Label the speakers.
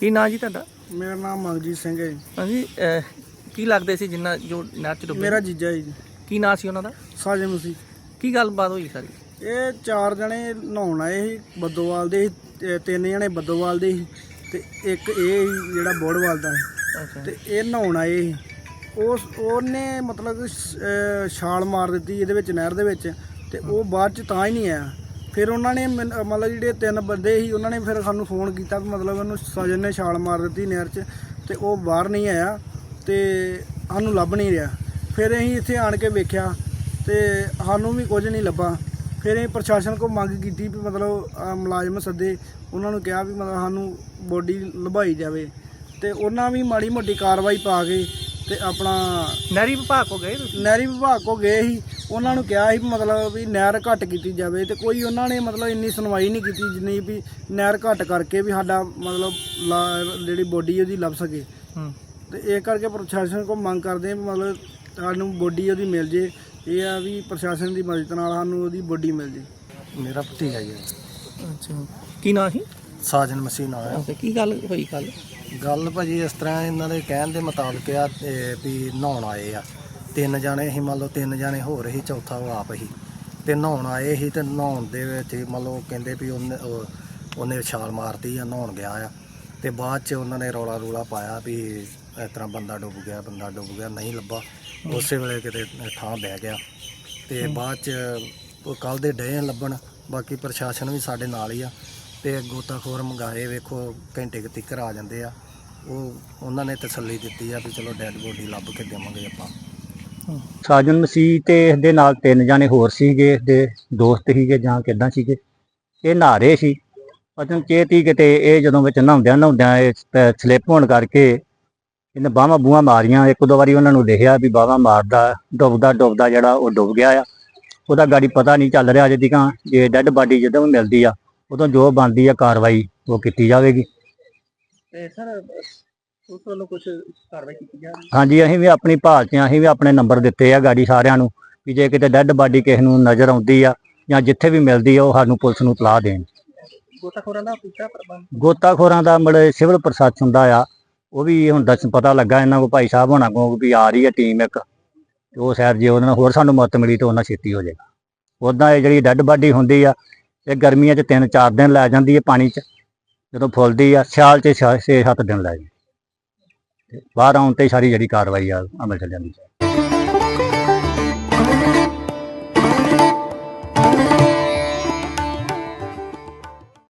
Speaker 1: ਕੀ ਨਾਂ ਜੀ ਤੁਹਾਡਾ?
Speaker 2: ਮੇਰਾ ਨਾਮ ਮਨਜੀਤ ਸਿੰਘ ਹੈ ਜੀ।
Speaker 1: ਹਾਂਜੀ, ਕੀ ਲੱਗਦੇ ਸੀ ਜਿੰਨਾ ਜੋ ਨਹਿਰ 'ਚ ਡੁੱਬੇ?
Speaker 2: ਮੇਰਾ ਜੀਜਾ ਜੀ।
Speaker 1: ਕੀ ਨਾਂ ਸੀ ਉਹਨਾਂ ਦਾ?
Speaker 2: ਸਾਜਨ ਮਸੀਹ।
Speaker 1: ਕੀ ਗੱਲਬਾਤ ਹੋਈ ਸਾਰੀ?
Speaker 2: ਇਹ 4 ਜਣੇ ਨਹਾਉਣ ਆਏ ਸੀ, ਬੱਦੋਵਾਲ ਦੇ ਸੀ, 3 ਜਣੇ ਬੱਦੋਵਾਲ ਦੇ ਸੀ ਤੇ ਇੱਕ ਇਹ ਸੀ ਜਿਹੜਾ ਬੋੜਵਾਲ ਦਾ ਸੀ।
Speaker 1: ਅੱਛਾ।
Speaker 2: ਤੇ ਇਹ ਨਹਾਉਣ ਆਏ ਸੀ। ਉਹਨੇ ਮਤਲਬ ਛਾਲ ਮਾਰ ਦਿੱਤੀ ਇਹਦੇ ਵਿੱਚ, ਨਹਿਰ ਦੇ ਵਿੱਚ, ਤੇ ਉਹ ਬਾਅਦ 'ਚ ਤਾਂ ਹੀ ਨਹੀਂ ਆਇਆ। ਫਿਰ ਉਹਨਾਂ ਨੇ ਮਤਲਬ ਜਿਹੜੇ 3 ਬੰਦੇ ਸੀ ਉਹਨਾਂ ਨੇ ਫਿਰ ਸਾਨੂੰ ਫੋਨ ਕੀਤਾ ਵੀ ਮਤਲਬ ਉਹਨੂੰ ਸਾਜਨ ਨੇ ਛਾਲ ਮਾਰ ਦਿੱਤੀ ਨਹਿਰ 'ਚ, ਤੇ ਉਹ ਬਾਹਰ ਨਹੀਂ ਆਇਆ ਤੇ ਸਾਨੂੰ ਲੱਭ ਨਹੀਂ ਰਿਹਾ। ਫਿਰ ਅਸੀਂ ਇੱਥੇ ਆਣ ਕੇ ਵੇਖਿਆ ਤੇ ਸਾਨੂੰ ਵੀ ਕੁਝ ਨਹੀਂ ਲੱਭਾ। ਫਿਰ ਅਸੀਂ ਪ੍ਰਸ਼ਾਸਨ ਕੋਲ ਮੰਗ ਕੀਤੀ ਵੀ ਮਤਲਬ ਮੁਲਾਜ਼ਮ ਸੱਦੇ, ਉਹਨਾਂ ਨੂੰ ਕਿਹਾ ਵੀ ਮਤਲਬ ਸਾਨੂੰ ਬੋਡੀ ਲੱਭਾਈ ਜਾਵੇ, ਤੇ ਉਹਨਾਂ ਵੀ ਮਾੜੀ ਮੋਟੀ ਕਾਰਵਾਈ ਪਾ ਕੇ ਤੇ ਆਪਣਾ
Speaker 1: ਨਹਿਰੀ ਵਿਭਾਗ ਕੋ ਗਏ ਤੁਸੀਂ?
Speaker 2: ਨਹਿਰੀ ਵਿਭਾਗ ਕੋ ਗਏ ਸੀ। ਉਹਨਾਂ ਨੂੰ ਕਿਹਾ ਸੀ ਮਤਲਬ ਵੀ ਨਹਿਰ ਘੱਟ ਕੀਤੀ ਜਾਵੇ, ਤੇ ਕੋਈ ਉਹਨਾਂ ਨੇ ਮਤਲਬ ਇੰਨੀ ਸੁਣਵਾਈ ਨਹੀਂ ਕੀਤੀ ਜਿੰਨੀ ਵੀ ਨਹਿਰ ਘੱਟ ਕਰਕੇ ਵੀ ਸਾਡਾ ਮਤਲਬ ਜਿਹੜੀ ਬੋਡੀ ਉਹਦੀ ਲੱਭ ਸਕੇ। ਤੇ ਇਹ ਕਰਕੇ ਪ੍ਰਸ਼ਾਸਨ ਕੋਲ ਮੰਗ ਕਰਦੇ ਹਾਂ ਵੀ ਮਤਲਬ ਸਾਨੂੰ ਬੋਡੀ ਉਹਦੀ ਮਿਲ ਜੇ। ਇਹ ਆ ਵੀ ਪ੍ਰਸ਼ਾਸਨ ਦੀ ਮਦਦ ਨਾਲ ਸਾਨੂੰ ਉਹਦੀ ਬੋਡੀ ਮਿਲ ਜੇ। ਮੇਰਾ ਭਤੀਜਾ ਜੀ।
Speaker 1: ਅੱਛਾ, ਕੀ ਨਾਂ ਸੀ?
Speaker 2: ਸਾਜਨ ਮਸੀਹ ਨਾਂ ਹੈ।
Speaker 1: ਅੱਛਾ, ਕੀ ਗੱਲ ਹੋਈ ਕੱਲ?
Speaker 2: ਗੱਲ ਭਾਜੀ ਇਸ ਤਰ੍ਹਾਂ ਇਹਨਾਂ ਦੇ ਕਹਿਣ ਦੇ ਮੁਤਾਬਕ ਆ ਵੀ ਨਹਾਉਣ ਆਏ ਆ 3 ਜਣੇ ਸੀ, ਮੰਨ ਲਓ 3 ਜਣੇ ਹੋਰ ਸੀ, ਚੌਥਾ ਉਹ ਆਪ ਸੀ। ਤੇ ਨਹਾਉਣ ਆਏ ਸੀ ਤੇ ਨਹਾਉਣ ਦੇ ਵਿੱਚ ਮੰਨ ਲਓ ਕਹਿੰਦੇ ਵੀ ਉਹਨੇ ਛਾਲ ਮਾਰਤੀ ਆ, ਨਹਾਉਣ ਗਿਆ ਆ, ਤੇ ਬਾਅਦ 'ਚ ਉਹਨਾਂ ਨੇ ਰੌਲਾ ਪਾਇਆ ਵੀ ਇਸ ਤਰ੍ਹਾਂ ਬੰਦਾ ਡੁੱਬ ਗਿਆ, ਨਹੀਂ ਲੱਭਾ। ਉਸੇ ਵੇਲੇ ਕਿਤੇ ਥਾਂ ਬਹਿ ਗਿਆ ਤੇ ਬਾਅਦ 'ਚ ਉਹ ਕੱਲ੍ਹ ਦੇ ਡਏ ਲੱਭਣ। ਬਾਕੀ ਪ੍ਰਸ਼ਾਸਨ ਵੀ ਸਾਡੇ ਨਾਲ ਹੀ ਆ ਤੇ ਗੋਤਾਖੋਰ ਮੰਗਾਏ, ਵੇਖੋ ਘੰਟੇ ਕੁ ਤੀਕਰ ਆ ਜਾਂਦੇ ਆ। ਉਹਨਾਂ ਨੇ ਤਸੱਲੀ ਦਿੱਤੀ ਆ ਵੀ ਚਲੋ ਡੈਡ ਬੋਡੀ ਲੱਭ ਕੇ ਦੇਵਾਂਗੇ ਆਪਾਂ।
Speaker 3: ਸਾਜਨ ਮਸੀਹ ਤੇ ਇਸਦੇ ਨਾਲ 3 ਜਾਣੇ ਹੋਰ ਸੀਗੇ, ਇਸਦੇ ਦੋਸਤ ਸੀਗੇ ਜਾਂ ਕਿੱਦਾਂ ਸੀਗੇ। ਇਹ ਨਹਾ ਰਹੇ ਸੀ, ਪਤਾ ਨਹੀਂ ਚੇਤੀ ਕਿਤੇ ਇਹ ਜਦੋਂ ਵਿੱਚ ਨਹਾਉਂਦਿਆਂ ਇਹ ਸਲਿੱਪ ਹੋਣ ਕਰਕੇ ਇਹਨੇ ਬਾਹਾਂ ਬੂਹਾਂ ਮਾਰੀਆਂ। 1-2 ਵਾਰੀ ਉਹਨਾਂ ਨੂੰ ਦੇਖਿਆ ਵੀ ਬਾਹਾਂ ਮਾਰਦਾ, ਡੁੱਬਦਾ ਜਿਹੜਾ ਉਹ ਡੁੱਬ ਗਿਆ ਆ। ਉਹਦਾ ਗਾੜੀ ਪਤਾ ਨਹੀਂ ਚੱਲ ਰਿਹਾ ਅਜੇ ਤੱਕ। ਜੇ ਡੈਡ ਬਾਡੀ ਜਦੋਂ ਵੀ ਮਿਲਦੀ ਆ ਉਦੋਂ ਜੋ ਬਣਦੀ ਆ ਕਾਰਵਾਈ ਉਹ ਕੀਤੀ ਜਾਵੇਗੀ।
Speaker 1: ਤੇ ਸਰ ਉਸ ਵੱਲੋਂ ਕੁਝ ਕਾਰਵਾਈ ਕੀਤੀ ਜਾ ਰਹੀ?
Speaker 3: ਹਾਂਜੀ, ਅਸੀਂ ਵੀ ਆਪਣੀ ਭਾਲ 'ਚ ਅਸੀਂ ਵੀ ਆਪਣੇ ਨੰਬਰ ਦਿੱਤੇ ਆ ਗਾੜੀ ਸਾਰਿਆਂ ਨੂੰ ਵੀ ਜੇ ਕਿਤੇ ਡੈਡ ਬਾਡੀ ਕਿਸੇ ਨੂੰ ਨਜ਼ਰ ਆਉਂਦੀ ਆ ਜਾਂ ਜਿੱਥੇ ਵੀ ਮਿਲਦੀ ਆ ਉਹ ਸਾਨੂੰ ਪੁਲਿਸ ਨੂੰ ਇਤਲਾਹ ਦੇਣ।
Speaker 1: ਗੋਤਾਖੋਰਾਂ ਦਾ ਪੂਰਾ ਪ੍ਰਬੰਧ?
Speaker 3: ਗੋਤਾਖੋਰਾਂ ਦਾ ਮਤਲਬ ਸਿਵਲ ਪ੍ਰਸ਼ਾਸਨ ਦਾ ਆ, ਉਹ ਵੀ ਹੁਣ ਪਤਾ ਲੱਗਾ ਇਹਨਾਂ ਕੋਲ, ਭਾਈ ਸਾਹਿਬ ਹੋਣਾ ਕੋਲ ਵੀ ਆ ਰਹੀ ਹੈ ਟੀਮ ਇੱਕ, ਤੇ ਉਹ ਸ਼ਾਇਦ ਜੇ ਉਹਨਾਂ ਨਾਲ ਹੋਰ ਸਾਨੂੰ ਮਦਦ ਮਿਲੀ ਤਾਂ ਉਹਨਾਂ ਛੇਤੀ ਹੋ ਜਾਏਗਾ। ਉੱਦਾਂ ਇਹ ਜਿਹੜੀ ਡੈਡ ਬਾਡੀ ਹੁੰਦੀ ਆ ਇਹ ਗਰਮੀਆਂ 'ਚ 3-4 ਦਿਨ ਲੈ ਜਾਂਦੀ ਹੈ ਪਾਣੀ 'ਚ, ਜਦੋਂ ਫੁੱਲਦੀ ਆ ਸਿਆਲ 'ਚ 6-7 ਦਿਨ ਲੈ ਜਾਂਦੀ। ਬਾਹਰ ਆਉਣ 'ਤੇ ਸਾਰੀ ਜਿਹੜੀ ਕਾਰਵਾਈ ਆ ਅਮਲ 'ਚ ਜਾਂਦੀ ਹੈ।